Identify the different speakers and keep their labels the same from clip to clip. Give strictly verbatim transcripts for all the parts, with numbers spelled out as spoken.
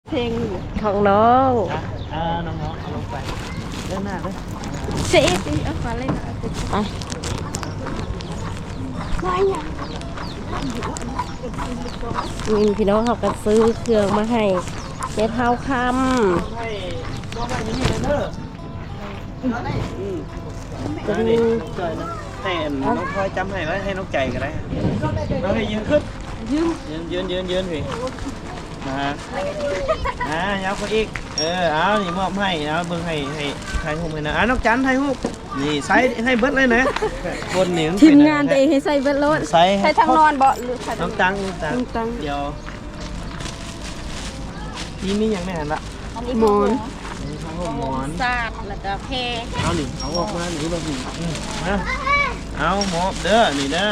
Speaker 1: เพลงของน้อง
Speaker 2: อ่าน้องๆเอาลงไปเล่นหน้าเลย
Speaker 1: เสียสิเอาขอเล่นหน่อยไปมีพี่น้องเขาก็ซื้อเครื่องมาให้เจ๊เท้าค
Speaker 2: ให้ก็ไม่มีเลยเด้ออืม
Speaker 1: ำจะ
Speaker 2: จะ
Speaker 1: มี
Speaker 2: มีจอยนะให้น้องพลอยจำให้ไว้ให้น้องใจก็ได้น้องให้ยืนขึ้น
Speaker 1: ยืม
Speaker 2: ยืนยืนยืนยืนพี่นะอ่ายับเขาอีกเออเอานี่มอบให้เอาเบิ่งให้ให้ไทยฮูกให้นะอ่าน้องจันไทยฮูกนี่ใส่ให้เบิดเลยนะบนนี่
Speaker 1: ทีมงานตัวเองให้ใส่เบ็ดรถ
Speaker 2: ใส่
Speaker 1: ใส่ทางนอนบ่หรือใส่
Speaker 2: น้องตังตัง
Speaker 1: น้องตัง
Speaker 2: เดี๋ยวทีนี้ยังไม่หันละ
Speaker 1: หมอน
Speaker 2: ข้าวหมอน
Speaker 1: ซาดแล้วก็เพ
Speaker 2: เอาหนิเอาออกมาหนิมาหนินะเอาหมอบเด้อนี่เด้อ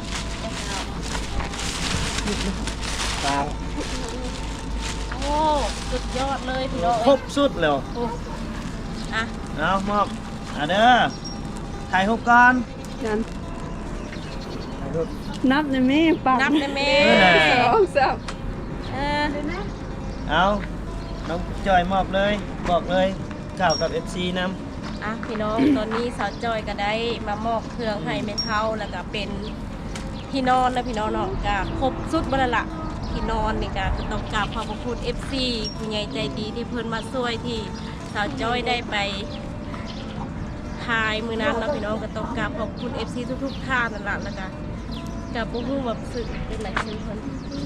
Speaker 2: ตา
Speaker 1: โอ้สุดยอดเลยพี่น้อง
Speaker 2: ครบสุดแล้ว
Speaker 1: อ่ะ
Speaker 2: เอาหมอบอ่ะเด้อถ่ายรูปก่อน
Speaker 3: กัน
Speaker 2: ถ่ายรูป
Speaker 3: นับในแม่ปัง
Speaker 1: นับได้ไหม
Speaker 2: เออ
Speaker 3: สองสาม
Speaker 1: เออ
Speaker 2: เอาน้องจอยมอบเลยบอกเลยกล่าวกับ เอฟ ซี นำ
Speaker 1: อ่ะพี่น้องตอนนี้สาวจอยก็ได้มามอบเครื่องให้แม่เฒ่าแล้วก็เป็นที่นอนนะพี่น้องเนาะก็ครบสุดบ่ละละที่นอนนี่ก็ต้องกราบขอบพระคุณ เอฟ ซี ผู้ใหญ่ใจดีที่เพิ่นมาช่วยที่สาวจอยได้ไปถ่ายมื้อนั้นเนาะพี่น้องก็ต้องกราบขอบคุณ เอฟ ซี ทุกๆท่านนั่นล่ะแล้วก็กับบ่ฮู้ว่าสึกเป็นไหนชื่อเพิ่น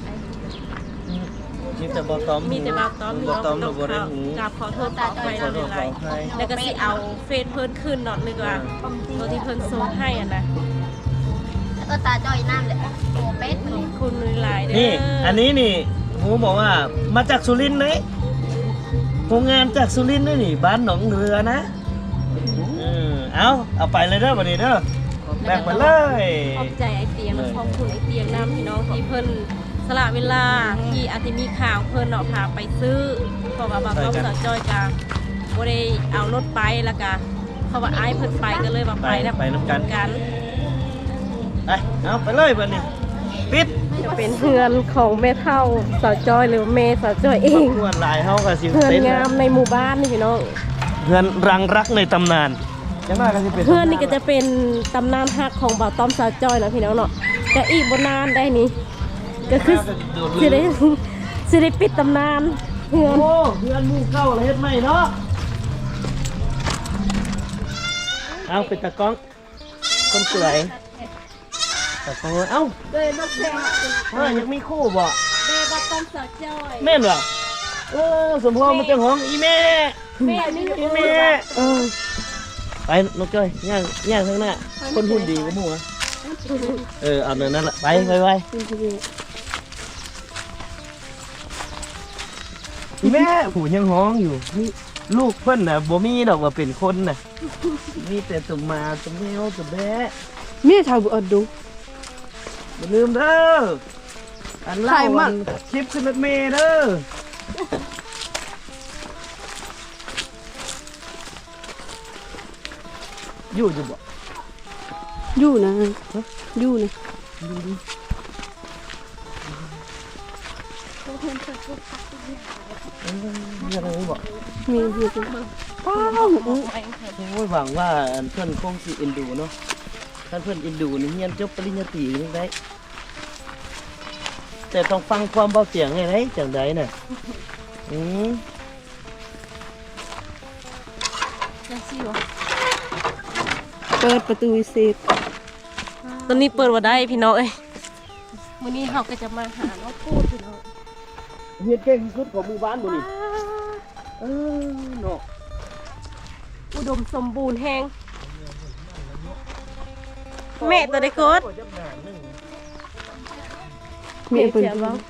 Speaker 2: มีแต่บอตอม
Speaker 1: มีแต่บาวต้อม
Speaker 2: บอตอมหรือบอได้หู
Speaker 1: กราบขอโทษขออภัย
Speaker 2: ขอโทษ
Speaker 1: ห
Speaker 2: ขอ
Speaker 1: ลาย
Speaker 2: อภัย
Speaker 1: ๆแล้วก็สิเอาเฟซเพิ่นขึ้นเนาะนึกว่าตัวที่เพิ่นส่งให้อ่ะนะ
Speaker 4: ก็ตาจอยน้ำเลยโอ้เป็ด
Speaker 1: ขอบคุณหลายๆเด้อ
Speaker 2: นี่ อันนี้นี่หูบอกว่ามาจากสุรินทร์เลยโรงงานจากสุรินทร์นี่นี่บ้านหนองเรือนะเออเอาเอาไปเลยเด้อวันนี้เด้อแบกไปเลย
Speaker 1: ขอบใจไอเตียงและขอบคุณไอเตียงน้ำพี่น้องที่เพิ่นสละเวลาที่อาจจะมีข่าวเพิ่นเนาะพาไปซื้อเพราะว่าบางต้องสาวจอยกาบ่ได้เอารถไปแล้วก็เพราะว่าอ้ายเพิ่นไปก็เลยว่าไปนะ
Speaker 2: ไปน้ำกัน
Speaker 1: กัน
Speaker 2: ไปเอาไปเลยวันนี้ปิด
Speaker 1: จะเป็นเฮือนของแม่เฒ่าสาวจอยหรือแม่สาวจอยเอง
Speaker 2: ขวดลายเฮากับสิ
Speaker 1: เฮือน
Speaker 2: เต้น
Speaker 1: งามในหมู่บ้านนี่พี่น้อง
Speaker 2: เพื่อนรังรักในตำนานจังหน้าก็สิเป็น
Speaker 1: เพื่อนนี่ก็จะเป็นตำนานฮักของบ่าวต้อมสาวจอยนะพี่น้องเนาะก็อีกบนนานได้นี่ก็คือสิได้สิได้ปิดตำนานเพื่อน
Speaker 2: โอ้เพื่อนหมู่เก่าแล้วเฮ็ดใหม่เนาะเอาเป็นตะกล้องคนสวยตะกล้องเอ้า
Speaker 1: เลยนกแซ่บ
Speaker 2: เฮ้ยยังมีคู่บ่
Speaker 1: แม่บ่าวต้อมสาวจอย
Speaker 2: แม่นบ่เออสมพรมันจะห้องอีแม่
Speaker 1: แม่นี่
Speaker 2: อีแม่เออไปนกจ้อยย่างย่างข้างหน้าคนหุ่นดีก็หมู่อะเออเอาเนินนั่นละไปไปไปอีแม่ผู้ยังห้องอยู่นี่ลูกเพิ่นน่ะบ่มีดอกว่าเป็นคนน่ะมีแต่ตุ่มมาตุ่มแมวตุ่มแบะ
Speaker 3: แม่ชาวบุอดดู
Speaker 2: อย่าลืมเด้ออันเล่า
Speaker 3: ใครมั่
Speaker 2: อั
Speaker 3: ง
Speaker 2: นคลิปขึ้นรถเมล์เด้ออยู่จะบ่
Speaker 3: อยู่นะอยู่นะ
Speaker 2: ยังไงบ่
Speaker 3: มีอยู่ตรงป้าว
Speaker 2: โอ้ยหวังว่าอันเพื่อนคงสิเอ็นดูเนาะท่านเพื่อนเอ็นดูนี่เรียนจบปริญญาตรีนี่ได้แต่ต้องฟังความเบาเสียงไงได้จังใดน่ะอืม
Speaker 1: จังซี่บ่
Speaker 3: เปิดประตูวิเศษ
Speaker 1: ตอนนี้เปิดบ่ได้พี่น้องเอ้ยมื้อนี้เฮาก็จะมาหาน้องพูดพี่น้อง
Speaker 2: เฮียนเก่งที่สุดของหมู่บ้านบ่นี่เออเนาะ
Speaker 1: อุดมสมบูรณ์แฮงแม่ตัวได้กด
Speaker 3: มีเปิด
Speaker 1: เสียบ้าง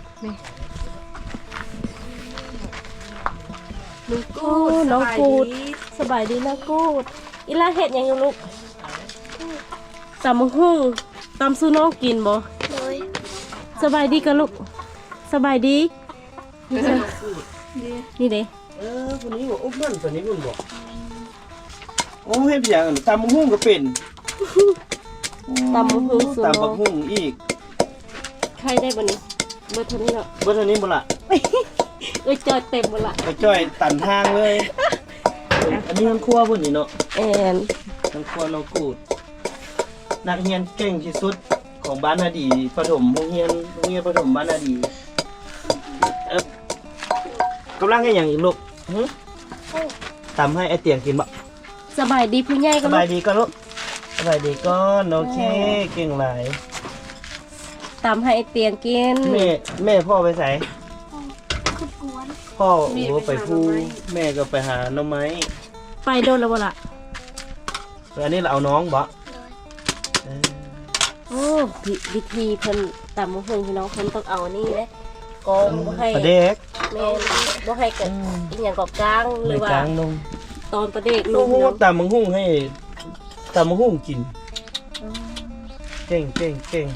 Speaker 1: น้องกูดน้องกูดสบายดีนะกูดอีลาเห็ดหยังอยู่ลูกตำมะฮุ่งตำสู้น้องกินบ่สบายดีกันลูกสบายดีนี่จ้ะนี่เด้
Speaker 2: เออคนนี้บ่อุ้มนั่นตัวนี้คุณบ่โอ้เฮ็ดอย่างนั้นตำบักหุ่งก็เป็น
Speaker 1: ตำมะฮุ่งสู้
Speaker 2: ตำ
Speaker 1: น้
Speaker 2: บั
Speaker 1: อก ง
Speaker 2: หุ่งอีก
Speaker 1: ใครได้บ่นี่เบอร์เท่านี้เนาะ
Speaker 2: เบิดเท่านี้บ่ล่ะ
Speaker 1: อ้ยจอยเต็มหมดละ
Speaker 2: ไปจ้อยตันทางเลย อันนี้มันครัวพุ่นนี่เนาะ
Speaker 1: แอน
Speaker 2: มันครัวน้องกูดนักเรียนเก่งที่สุดของบ้านนาดีประถมโรงเรียนโรงเรียนประถมบ้านนาดีเอ๊บกำลังให้อย่างอีกลูกหึตำให้ไอเตียงกินบ่
Speaker 1: สบายดีผู้ใหญ่
Speaker 2: ส
Speaker 1: ก็
Speaker 2: บายดีก็ลูกสบายดีก็โอเคเก่งหลาย
Speaker 1: ตามให้เตียงกิน
Speaker 2: แม่แม่พ่อไปใส่
Speaker 4: คือกวน
Speaker 2: พ่อโอ้ไปพูแม่ก็ไปหาหน่อไม้
Speaker 1: ไปโดนแล้วบ่ล่ะ
Speaker 2: แล้วอันนี้เราเอาน้องบ่
Speaker 4: เลย
Speaker 2: เออ
Speaker 1: โอ้วิวิธีเพิ่นตำมะฮุงพี่น้องเพิ่นต้องเอานี่แหละกองบ่ให้
Speaker 2: ประเด็ก
Speaker 1: แม่นบ่ให้เกิดอีหยังก็กลางห
Speaker 2: ใน
Speaker 1: รือว่าก
Speaker 2: ลางลง
Speaker 1: ตอนประเด็กล
Speaker 2: โอ้
Speaker 1: ง
Speaker 2: โห
Speaker 1: เนาะ
Speaker 2: ตำมังหุ่งให้ตำมังหุ่งกินเก่งเก่งเก่ง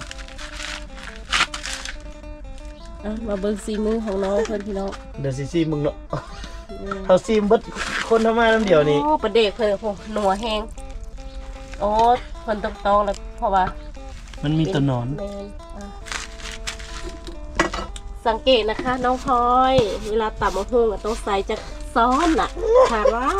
Speaker 1: อ่ะมาเบิ่งซีมือของน้องเพิ่นพี่น้อง
Speaker 2: เดี๋ยวสิซีมึงเนาะเขาซีมเบิดคนทำมาน้ำเดียวนี่
Speaker 1: โอ้ประเด็กเพิ่นโอ้หนัวแฮงโอ้เพิ่นต้องตองแล้วเพราะว่า
Speaker 2: มันมีตัวหนอน
Speaker 1: แม่นอ่ะสังเกตนะคะน้องพลอย เวลาตำมะฮุงอะต้องใส่จากซ้อนน่ะถามว่า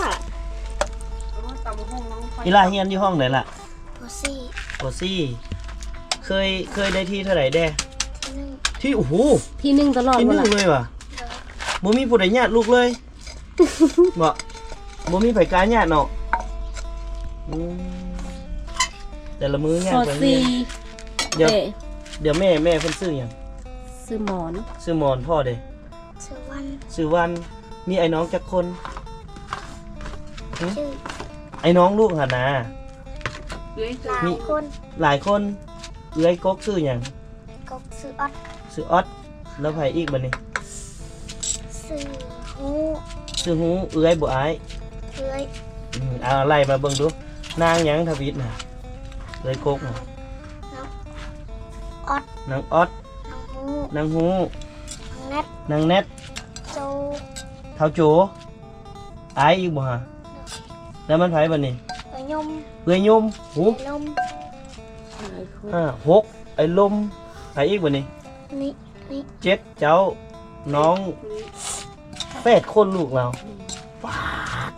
Speaker 2: อีลาเฮียนที่ห้องไหนล่ะ
Speaker 4: โพซี่
Speaker 2: โอซี่เคยเคยได้ที่เท่าไหร่แด้
Speaker 4: ที่หนึ่ง
Speaker 2: ที่โอ้โห
Speaker 1: ที่หนึ่งตลอด
Speaker 2: ที่ห
Speaker 1: เว
Speaker 2: นึ่ง
Speaker 1: ลา
Speaker 2: เลยว่ะ
Speaker 4: เลย
Speaker 2: บ่มีผู้ใดญาติลูกเลย บ่บ่มีไผกล้าญาติเนาะอืมแต่ละมื้อญา
Speaker 1: ซ
Speaker 2: ติ
Speaker 1: อ
Speaker 2: ไป
Speaker 1: ซี
Speaker 2: เดี๋ยว
Speaker 1: เอ๊ะ
Speaker 2: เดี๋ยวแม่แม่เพิ่นซื้อหยัง
Speaker 1: ซื้อหมอน
Speaker 2: ซื้อหมอนพ่อเด้
Speaker 4: ชื่อวัน
Speaker 2: ซื้อวันมีไอ้น้องจักคนหึ
Speaker 4: ชื่อ
Speaker 2: ไอ้น้องลูกหั่นน่ะ
Speaker 4: หลายคน
Speaker 2: หลายคนเอื้อยกกซื้อหยัง
Speaker 4: ก็ชื่อออด
Speaker 2: ซื้อออดแล้วไผอีกบัดนี้
Speaker 4: ชื่อฮู
Speaker 2: ซื้อฮู้เอื้อยบ่อาย
Speaker 4: เอ้ย
Speaker 2: อืมเอาไล่มาเบิ่งดูนางหยังทวิตน่ะเอื้อยกกน่ะ
Speaker 4: ออด
Speaker 2: นางออด
Speaker 4: น้องฮู
Speaker 2: นางฮู้
Speaker 4: น้องแนท
Speaker 2: นางแนท
Speaker 4: โจ
Speaker 2: เท้าโจอายอีกบ่ฮะแล้วมันไผบัดนี้
Speaker 4: เอ้ยยม
Speaker 2: เอื้อยยมหู
Speaker 4: ลม
Speaker 1: หลายคน
Speaker 2: ห้าหกไอ้ลมไผอีกบัดนี้
Speaker 4: นี่นี่
Speaker 2: เจ็ดเจ้าน้องแปดคนลูกเราว้าว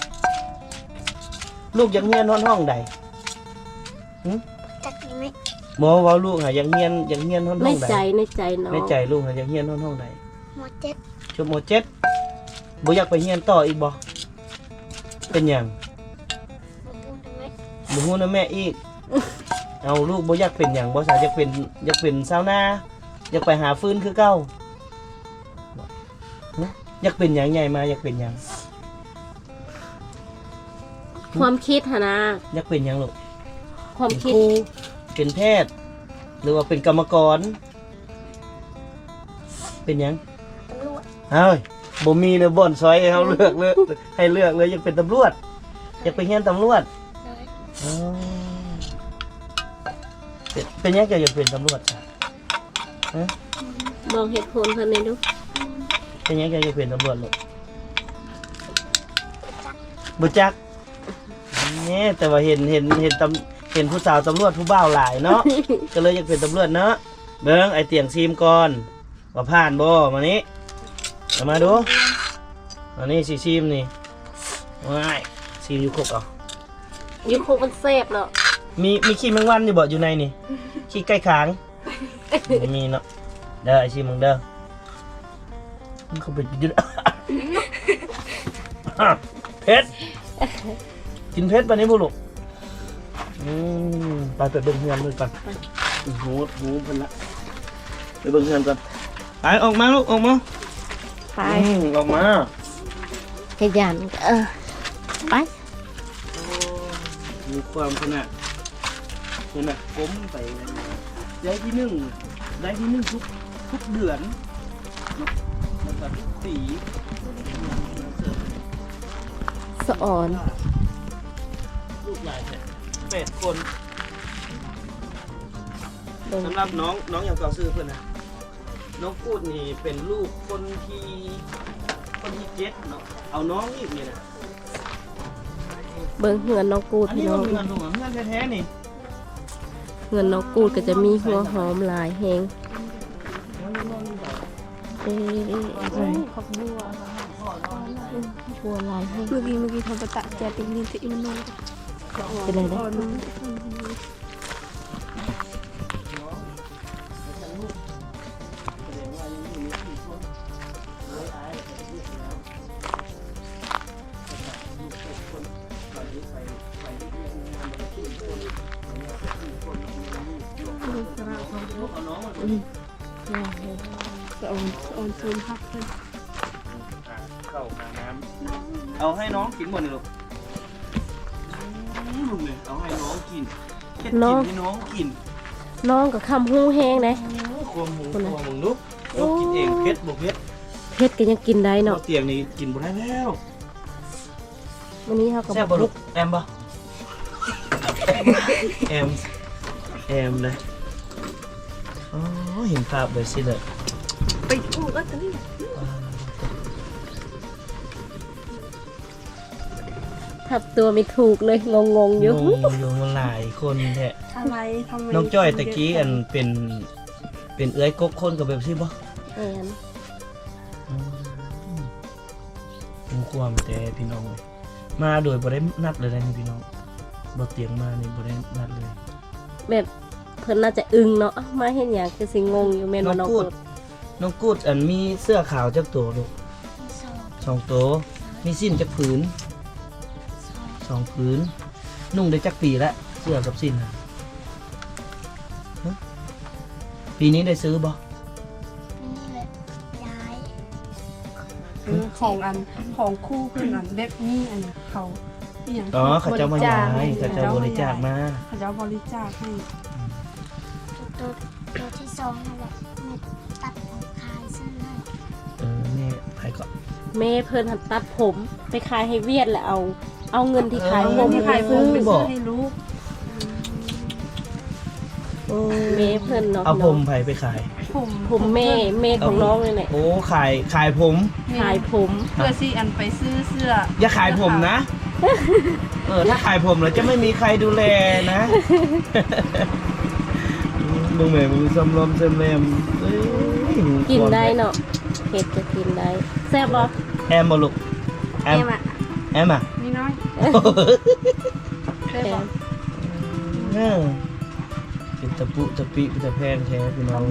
Speaker 2: ลูกยังเฮียนห้องห้องใด
Speaker 4: จักยังไหม
Speaker 2: หมอว่าลูกหายังเฮียนยังเฮียนห้อง
Speaker 1: ใน
Speaker 2: ห้องใด
Speaker 1: ใจในใจน้อง
Speaker 2: ในใจลูกหายังเฮียนห้องห้องใด
Speaker 4: หมดเจ็ด
Speaker 2: ชั่วโมงเจ็ดบ่อยากไปเฮียนต่ออีกบ่เป็นหยัง
Speaker 4: หมดพูดได้ไหม
Speaker 2: บ่ฮู้นะแม่อีก เอาลูกบ่อยากเป็นหยังบ่สาอยากเป็นอยากเป็นชาวนาอยากไปหาฟืนคือเก่านะอยากเป็นหยังใหญ่มาอยากเป็นหยัง
Speaker 1: ความคิดหนนะ
Speaker 2: อยากเป็นหยังลูก
Speaker 1: ความ
Speaker 2: เป็น
Speaker 1: คิด
Speaker 2: ครูเป็นแพทย์ หรือว่าเป็นกรรมกร เป็นหยัง
Speaker 4: ตำรวจ
Speaker 2: เฮ้ยบ่มีเลยบ่อนซอยให้เขาเลือกเลยให้เลือกเลยอยากเป็นตำรวจอยากไปเฮียนตำรวจ
Speaker 4: เลย
Speaker 2: อ๋อเป็นเป็นหยังจะอยากเป็นตำรวจจ้ะฮะ
Speaker 1: บอกเหตุผลเพิ่นเลยดู
Speaker 2: เป็นหยังจะอยากเป็นตำรวจลูกบ่จักนี่แต่ว่าเห็นเห็นเห็นตำเห็นผู้สาวตำรวจผู้บ่าวหลายเนาะ ก็เลยอยากเป็นตำรวจเนาะเบิ่งไอเตียงซีมก่อนว่าผ่านบ่มานี้เอามาดูมานี่สิซีมนี่ว้ายซีมอยู่ครบเอา
Speaker 1: อยูคุกมันเซฟเนาะ
Speaker 2: มีมีขี้แมงวันอยู่บ่อยู่ในนี่ขี้ใกล้ขางบ่มีเนาะเด้อไอซีมึงเด้อมันเขาเป็นอยืด เผ็ดกินเผ็ดปะนี้บุลูกอืมไปไปเบิ่งเฮือนเลยก่อนหูหูเพิ่นละไปเบิ่งเฮือนก่อนไปออกมาลูกออกมา
Speaker 1: ไป
Speaker 2: อืมออกมา
Speaker 1: ขยันเออไป
Speaker 2: มีความขนาดขนาดก้มไปได้ที่หนึ่งได้ที่หนึ่งทุกทุกเดือนเนาะแล้วก็ทุกปี
Speaker 1: สะอ่อน
Speaker 2: ลูกหลายแท้แปดคน
Speaker 1: เบิ่ง
Speaker 2: สำหรับน้องน้องอย่างเก่าซื้อเพื่อนนะน้องพูดนี่เป็นลูกคนที่คนที่เจ็ดเนาะเอาน้องอีกนี่นะ
Speaker 1: เบิ่งเหือนน้องกูด
Speaker 2: อัน
Speaker 1: พี่
Speaker 2: นี้
Speaker 1: น้อ
Speaker 2: มัน
Speaker 1: ง
Speaker 2: เงินหลวงเงินแท้ๆนี่
Speaker 1: เหือนน้องกูดก็จะมีหัวหอมหลายแฮง
Speaker 2: น้องน้องนี่บอก
Speaker 1: ไปอ๊ะอะไร
Speaker 3: ผักบัว
Speaker 1: บัวลายให้
Speaker 3: เมื่อกี้เมื่อกี้ทำประตะแจติงนี่ที่มันนอน
Speaker 1: เป็นไรนะ
Speaker 3: อ่อนมัน สะออนสะออนซูมพักเลย
Speaker 2: เข้าหาน้ำเอาให้น้องกินหมดเลยลูกอืมลูกเลยเอาให้น้องกินเฮ็ดกินให้น้องกิน
Speaker 1: น้องกับคำหูแห้งนะ
Speaker 2: ความหมูตัวมึงลูกลูกกินเองเผ็ดบ่เผ็ด
Speaker 1: เพชรก็ยังกินได้
Speaker 2: เนาะ
Speaker 1: เนาะ
Speaker 2: เตียงนี่กินบ่ได้แล้ว
Speaker 1: วันนี้เขากับ
Speaker 2: แซ่บบ่ลูกแอมบ่แอมแอมเลยอ๋อเห็นภาพเลยสิเลย
Speaker 3: ไปถูกแล้วตอนนี้
Speaker 1: ทับตัวไม่ถูกเลยงงงๆอยู่
Speaker 2: งงอยู่มาหลายคนแท้
Speaker 3: ทำไมทำไม
Speaker 2: น้องจ้อยตะกี้อันเป็นเป็นเอื้อยกกคนกับแบบซี่บ่
Speaker 1: แอน
Speaker 2: ผมความแต่พี่น้องเลยมาโดยบ่ได้นัดเลยนะนี่พี่น้องบ่เตียงมานี่บ่ได้นัดเลย
Speaker 1: แบบเพิ่นน่าจะอึ้งเนาะมาเห็นอย่างคือสิงงอยู่แม่นว่าน้องกด
Speaker 2: น้องกูดอันมีเสื้อขาวจักตัวลูก
Speaker 4: สอง
Speaker 2: สองตัวมีสิ้นจักผืนสองผืนนุ่งได้จักปีแล้วเสื้อกับสิ้นน่ะฮะปีนี้ได้ซื้อบ่
Speaker 4: นี่แหละย้าย
Speaker 3: เออของอันของคู่เพื่อนอันแบบนี้อันน่ะเขาอหย่าง
Speaker 2: อ๋อเขาเจ้ามาย้าย
Speaker 3: ให้
Speaker 2: เขาเจ้าบริจาคมา
Speaker 3: เขาเจ้าบริจาคให้
Speaker 4: ตัวตัวที่สองนั่นแหละแม่ตัดผมคายซื้อให้
Speaker 2: เออแม่ไปก่อน
Speaker 1: แม่เพิ่นหัดตัดผมไปขายให้เวียดแล้วเอา เอาเงินที่ขายผ
Speaker 3: เงิน
Speaker 1: ม
Speaker 3: ที่ขายผมไปซื้อให้ลูก
Speaker 1: แม่เพิ่นเนาะ
Speaker 2: เอาผมไผไปขาย
Speaker 3: ผม
Speaker 1: ผมแม่แม่ของน้องเลยแหละ
Speaker 2: โอ้ขายขายผม
Speaker 1: ขายผม
Speaker 3: เพื่อสิอันไปซื้อเสื้อ
Speaker 2: อย่าขายผมนะ เออถ้าขายผมแล้วจะไม่มีใครดูแลนะมึงแม่มึงซ้ำลมเซมแรมเอ้ย
Speaker 1: กินได้เนาะเห็ดจะกินได้แซ่บบ่
Speaker 2: แอมบ่ลูกแอ
Speaker 3: เอ็
Speaker 2: ม
Speaker 3: มอ่ะ
Speaker 2: แอมอ่ะ
Speaker 3: นี่น้อย
Speaker 1: แอ
Speaker 3: ได้
Speaker 1: ม
Speaker 3: บอก
Speaker 2: เออเป็นตะปุตะปิเป็นตะแพงแท้พี่น้อง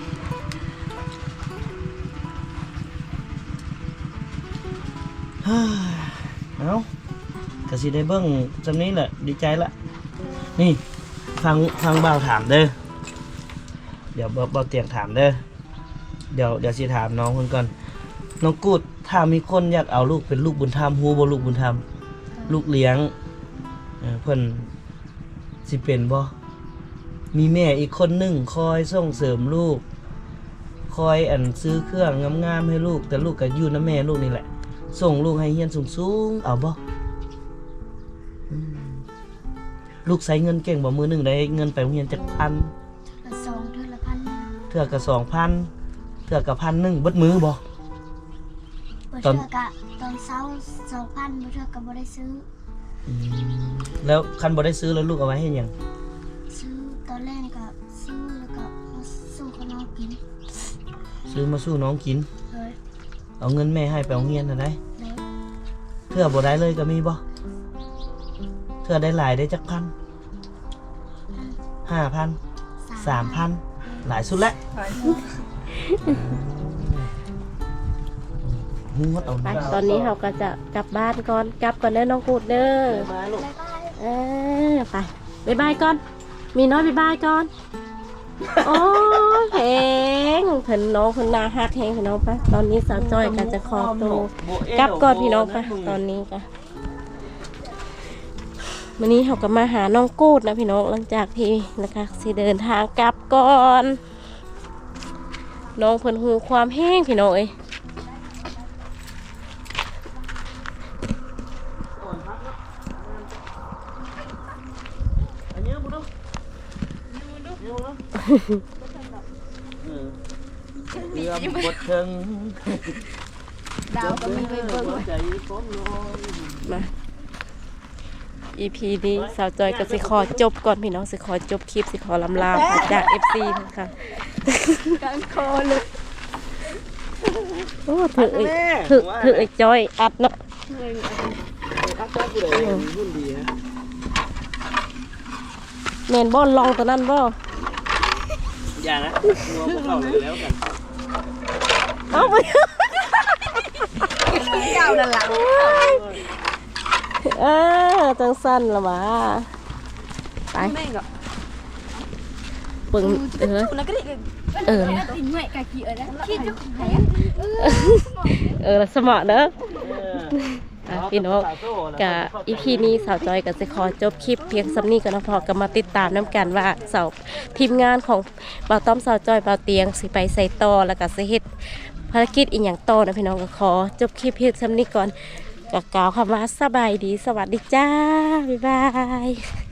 Speaker 2: เฮ้ยเอ้ากะสิได้เบิ่งจำนี้แหละดีใจละนี่ฟังฟังบ่าวถามเด้อเดี๋ยวบ่บ่าวเตียงถามเด้อเดี๋ยวเดี๋ยวสิถามน้องคนก่อนน้องกูดถ้ามีคนอยากเอาลูกเป็นลูกบุญธรรมฮู้บ่ลูกบุญธรรมลูกเลี้ยงเออเพิ่นสิเป็นบ่มีแม่อีกคนหนึงคอยส่งเสริมลูก คอยอันซื้อเครื่องงามๆให้ลูกแต่ลูกก็อยู่นำแม่ลูกนี่แหละส่งลูกให้เรียนสูงๆเอาบ่อืมลูกใช้เงินเก่งบ่มือหนึงได้เงินไปโรงเรียนจักพัน
Speaker 4: ละสองเท่าละพัน
Speaker 2: เทื่อก็สองพันเทื่อก็พันหนึงเบิดมือบ่
Speaker 4: บ่เทื่อกะตอนเช้าสองพันบ่เทื่อก็บ่ได้ซื้อ
Speaker 2: อืมแล้วคันบ่ได้ซื้อแล้วลูกเอาไว้ให้หยัง
Speaker 4: ซื้อตอนแรกก็ซื้อแล้วก็มาสู้กับน้องกิน
Speaker 2: ซื้อมาสู้น้องกิน
Speaker 4: เลย
Speaker 2: เอาเงินแม่ให้ไปโรงเรียนน่ะได้
Speaker 4: เลย
Speaker 2: เทื่อบ่ได้เลยก็มีบ่เทื่อได้หลายได้จักพันห้าพันสามพันหลายสุดแล้วงวดเอา
Speaker 1: ไป
Speaker 2: นะ
Speaker 1: ตอนนี้เราก็จะกลับบ้านก่อนกลับก่อนเด้อน้องกูดเด้อ
Speaker 2: มาลูก
Speaker 4: บ๊ายบาย
Speaker 1: เออไปบ๊ายบายก่อน มีน้อยบ๊ายบายก่อน โอ้แพงเพิ่นน้องเพิ่นน่าฮักแฮงพี่น้องไปตอนนี้สาวจ้อยก็จะขอตัวกลับก่อนพี่น้องไปตอนนี้ก็วันนี้เราก็มาหาน้องกูดนะพี่น้องหลังจากที่นะคะสิเดินทางกลับก่อน น้องเพิ่นฮู้ความแห้งพี่น้องเอ้ย
Speaker 2: อันนี้บุญเรือหมดเชิง
Speaker 3: ดาวก็มีไปเบิ่ง
Speaker 2: ใจฟ้องนอน
Speaker 1: มา อี พี นี้สาวจอยก็สิขอจบก่อนพี่น้องสิขอจบคลิปสิขอลำลาจาก เอฟ ซี ค่ะ
Speaker 3: การคอเลย
Speaker 1: โอ้ถือถือถือไอ้จอยอัดเนาะ
Speaker 2: อัดได้ผู้ใดรุ่นดีฮะ
Speaker 1: แม่นบ่ลองตัวนั้นบ่
Speaker 2: อย่านะงัวพวกเราเลยแล้วกัน
Speaker 1: เอาไป
Speaker 3: เก่านั่นล่ะ
Speaker 1: เออจังสั้นละหว่าไป
Speaker 3: แม่ก็
Speaker 1: ปึงเออ
Speaker 3: แล้วก็ได้
Speaker 1: เออ
Speaker 3: ติงไว้กะกี้เอ้ยนะคิดอยู่
Speaker 1: เออสมอเด้ออ่ะพี่น้องกะอีพีนี้สาวจอยกับจะขอจบคลิปเพียงสำนี้กันนะพอก็มาติดตามน้ำกันว่าสาวทีมงานของบ่าวต้อมสาวจอยบ่าวเตียงสิไปใส่ต่อแล้วก็สิเฮ็ดภารกิจอีกอย่างต่อนะพี่น้องก็ขอจบคลิปเพียงสำนี้ก่อนก็กล่าวคำว่าสบายดีสวัสดีจ้าบ๊ายบาย